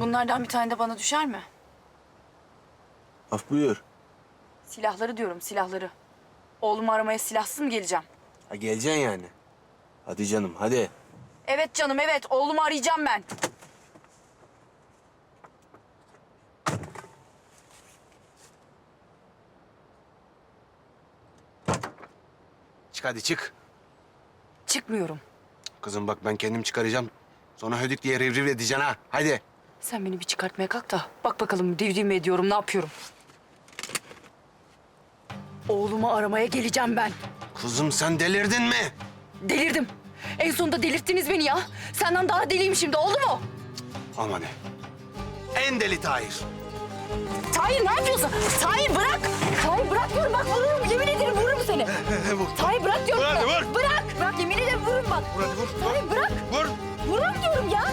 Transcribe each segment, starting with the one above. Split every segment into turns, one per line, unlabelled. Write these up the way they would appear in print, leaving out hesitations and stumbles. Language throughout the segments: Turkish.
Bunlardan bir tane de bana düşer mi?
Af buyur.
Silahları diyorum, silahları. Oğlumu aramaya silahsız mı geleceğim?
Ha geleceksin yani. Hadi canım hadi.
Evet canım, evet. Oğlumu arayacağım ben.
Çık hadi çık.
Çıkmıyorum.
Kızım bak ben kendim çıkaracağım. Sonra hödük diye rivriv edeceksin ha. Hadi.
Sen beni bir çıkartmaya kalk da bak bakalım divdiğim mi ediyorum, ne yapıyorum? Oğlumu aramaya geleceğim ben.
Kızım sen delirdin mi?
Delirdim. En sonunda delirttiniz beni ya. Senden daha deliyim şimdi, oldu mu?
Aman ne? En deli Tahir.
Tahir, ne yapıyorsun? Tahir bırak. Tahir bırak diyorum, bak vururum. Yemin ederim vururum seni.
Vur.
Tahir bırak diyorum.
Vur hadi,
sana.
vur.
Bırak. Bırak, yemin ederim vururum bak.
Vur hadi vur.
Tahir bırak.
Vur.
Vururum diyorum ya.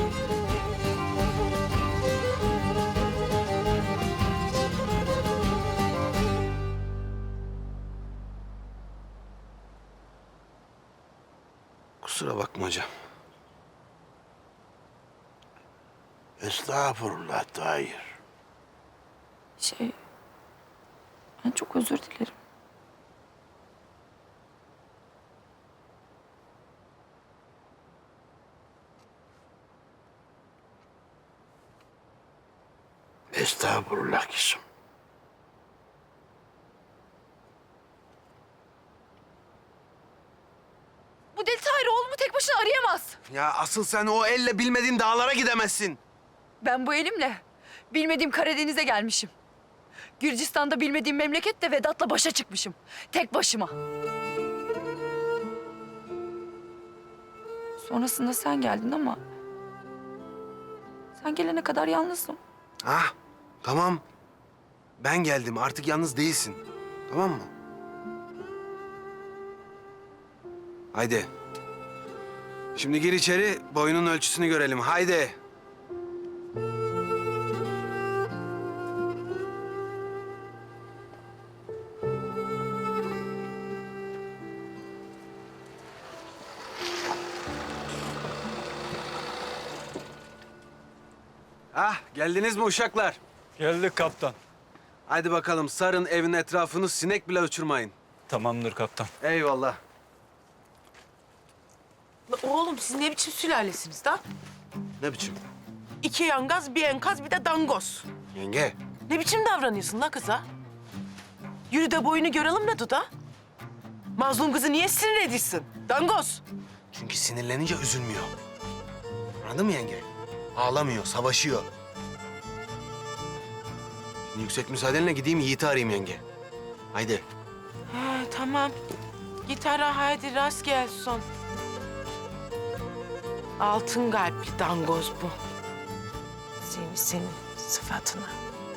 Kusura bakma hocam.
Estağfurullah Tahir.
Ben çok özür dilerim.
Estağfurullah kızım.
Bu deli Tahir oğlumu tek başına arayamaz.
Ya asıl sen o elle bilmediğin dağlara gidemezsin.
Ben bu elimle bilmediğim Karadeniz'e gelmişim. Gürcistan'da bilmediğim memlekette Vedat'la başa çıkmışım. Tek başıma. Sonrasında sen geldin ama... sen gelene kadar yalnızdım.
Ah tamam. Ben geldim artık yalnız değilsin. Tamam mı? Haydi. Şimdi gir içeri boyunun ölçüsünü görelim. Haydi. Ah geldiniz mi uşaklar?
Geldik kaptan.
Haydi bakalım sarın evin etrafını sinek bile uçurmayın.
Tamamdır kaptan.
Eyvallah.
La oğlum siz ne biçim sülalesiniz da?
Ne biçim?
2 yangaz, bir enkaz, bir de dangoz.
Yenge.
Ne biçim davranıyorsun la kıza? Yürü de boyunu görelim ne Duda? Mazlum kızı niye sinir ediyorsun? Dangoz.
Çünkü sinirlenince üzülmüyor. Anladın mı yenge? Ağlamıyor, savaşıyor. Şimdi yüksek müsaadenle gideyim Yiğit'i arayayım yenge. Haydi.
He tamam. Git ara haydi rast gelsin. Altın kalpli dangoz bu. Senin sıfatına.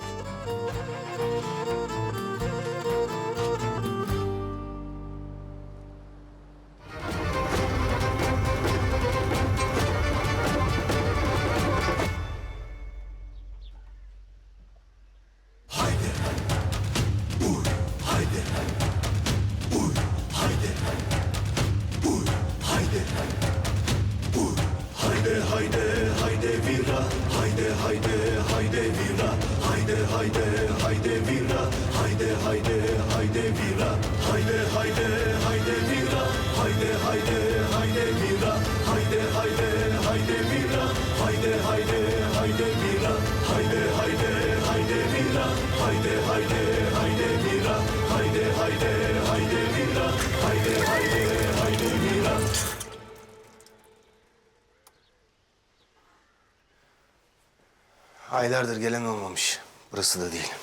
Aylardır gelen olmamış. Burası da değil.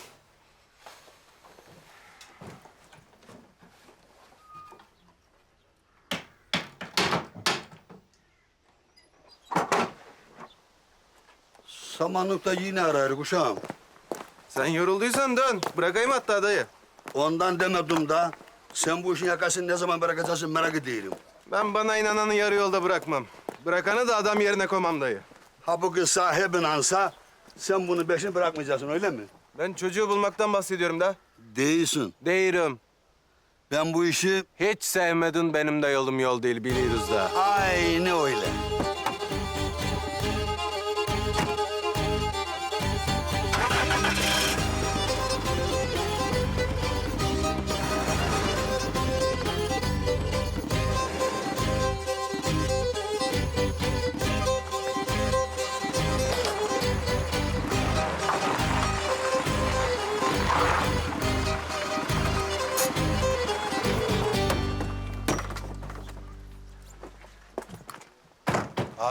Samanlıkta yine ararız uşağım.
Sen yorulduysan dön. Bırakayım hatta dayı.
Ondan demedim da. Sen bu işin yakasını ne zaman bırakacaksın merak ediyorum.
Ben bana inananı yarı yolda bırakmam. Bırakanı da adam yerine koymam dayı.
Ha bu kız sahibin ansa sen bunu peşini bırakmayacaksın öyle mi?
Ben çocuğu bulmaktan bahsediyorum da.
Değilsin.
Değilim.
Ben bu işi
Hiç sevmedin benim de yolum yol değil biliyoruz da.
aynı öyle.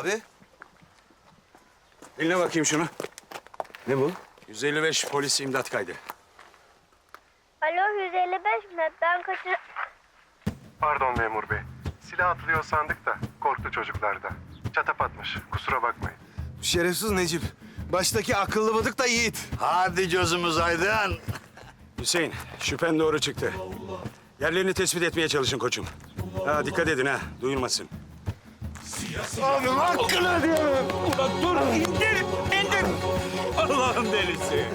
Abi.
Dinle bakayım şunu.
Ne bu?
155 polis imdat kaydı.
Alo 155 mi? Ben kaçır...
Pardon memur bey. Silah atılıyor sandık da korktu çocuklar da. Çatapatmış. Kusura bakmayın.
Şerefsiz Necip. Baştaki akıllı bıdık da Yiğit.
Hadi gözümüz aydın.
Hüseyin, şüphen doğru çıktı. Yerlerini tespit etmeye çalışın koçum. Ha, dikkat edin ha, duyulmasın.
Allah'ın delisi.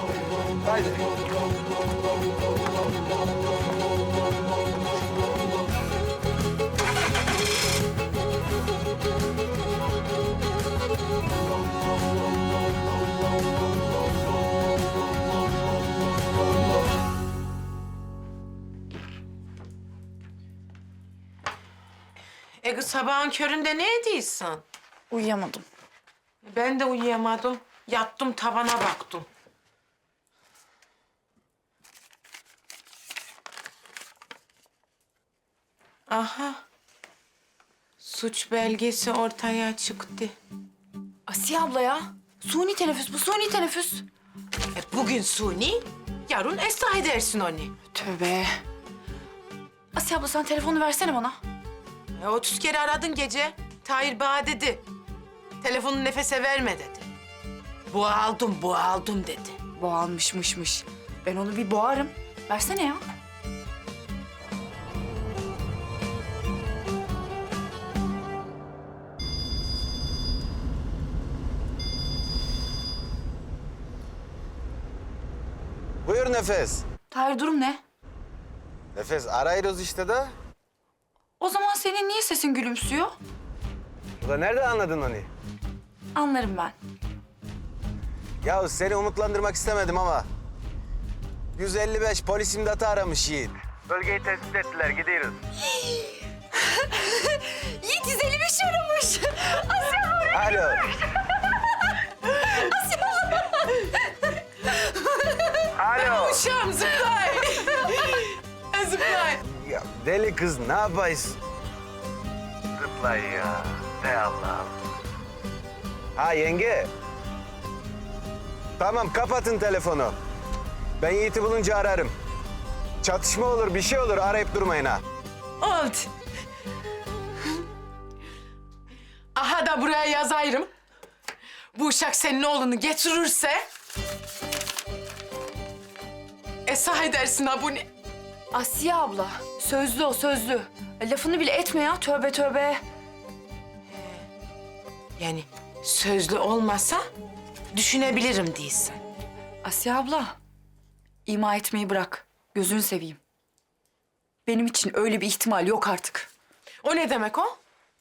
Kız sabahın köründe ne ediyorsun?
Uyuyamadım.
Ben de uyuyamadım. Yattım tavana baktım. Aha. Suç belgesi ortaya çıktı.
Asiye abla ya. Suni teneffüs bu, suni teneffüs.
Bugün suni, yarın ıslah edersin onu.
Tövbe. Asiye abla sen telefonu versene bana.
30 kere aradın gece. Tahir bana dedi. Telefonu nefese verme dedi. Bu aldım dedi.
Boğalmışmışmış. Ben onu bir boğarım. Versene ya.
Buyur Nefes.
Tahir durum ne?
Nefes arayırız işte de.
O zaman senin niye sesin gülümsüyor?
Ulan nerede anladın onu?
Anlarım ben.
Ya seni umutlandırmak istemedim ama. 155 polis imdatı aramış Yiğit. Bölgeyi tespit ettiler, gidiyoruz.
Yiğit 155 aramış.
Alo. Alo.
Uşağım zıplay. Zıplay.
Ya deli kız ne yapayız? Zıplay ya. Ey Allah'ım. Ha yenge. Tamam kapatın telefonu. Ben Yiğit'i bulunca ararım. Çatışma olur bir şey olur arayıp durmayın ha.
Oldu. Aha da buraya yazayım. Bu uşak senin oğlunu getirirse... ...esah edersin ha bunu.
Asiye abla. Sözlü o, sözlü. Lafını bile etme ya. Tövbe tövbe.
Yani sözlü olmasa düşünebilirim değilsin.
Asiye abla. İma etmeyi bırak. Gözünü seveyim. Benim için öyle bir ihtimal yok artık.
O ne demek o?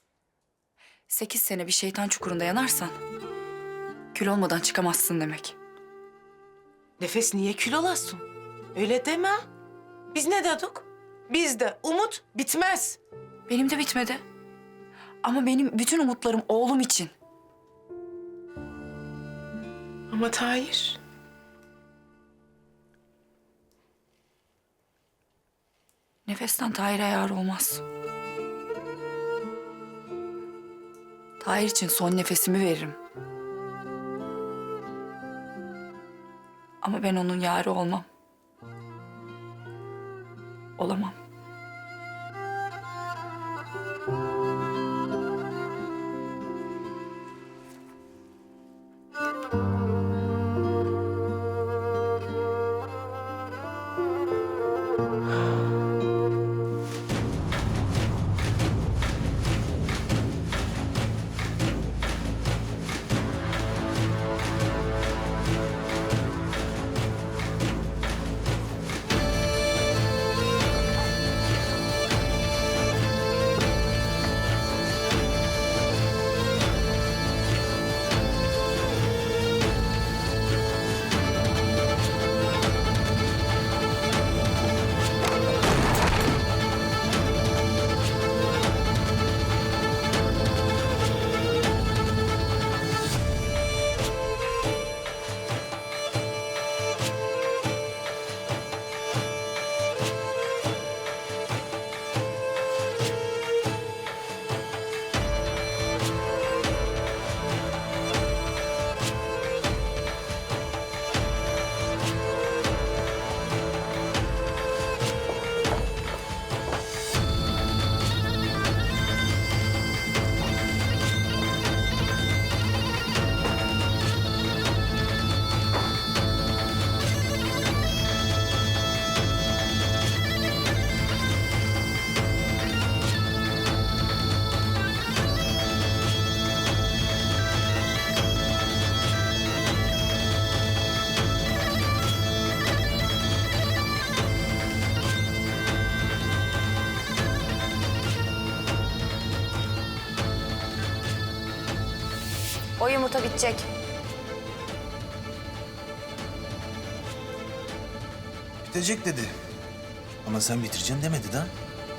8 sene bir şeytan çukurunda yanarsan... ...kül olmadan çıkamazsın demek.
Nefes niye kül olasın? Öyle deme. Biz ne dedik? Bizde umut bitmez.
Benim de bitmedi. Ama benim bütün umutlarım oğlum için.
Ama Tahir...
Nefesten Tahir'e yar olmaz. Tahir için son nefesimi veririm. Ama ben onun yarı olmam. Olamam.
O yumurta bitecek.
Bitecek dedi. Ama sen bitireceksin demedi da.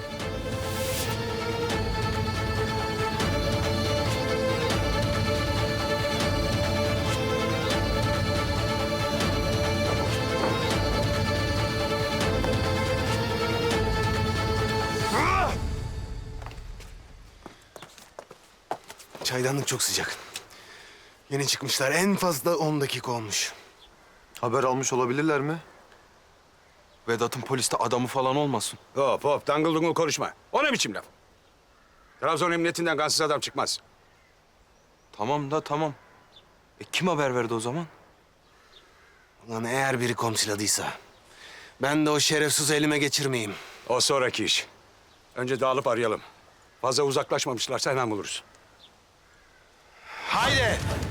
Çaydanlık çok sıcak. Yeni çıkmışlar. En fazla 10 dakika olmuş.
Haber almış olabilirler mi? Vedat'ın poliste adamı falan olmasın.
Hop hop dangıl dungul konuşma. O ne biçim laf? Trabzon emniyetinden kansız adam çıkmaz.
Tamam da tamam. Kim haber verdi o zaman?
Ulan eğer biri komşiladıysa... ...ben de o şerefsiz elime geçirmeyeyim.
O sonraki iş. Önce dağılıp arayalım. Fazla uzaklaşmamışlarsa hemen buluruz.
Haydi!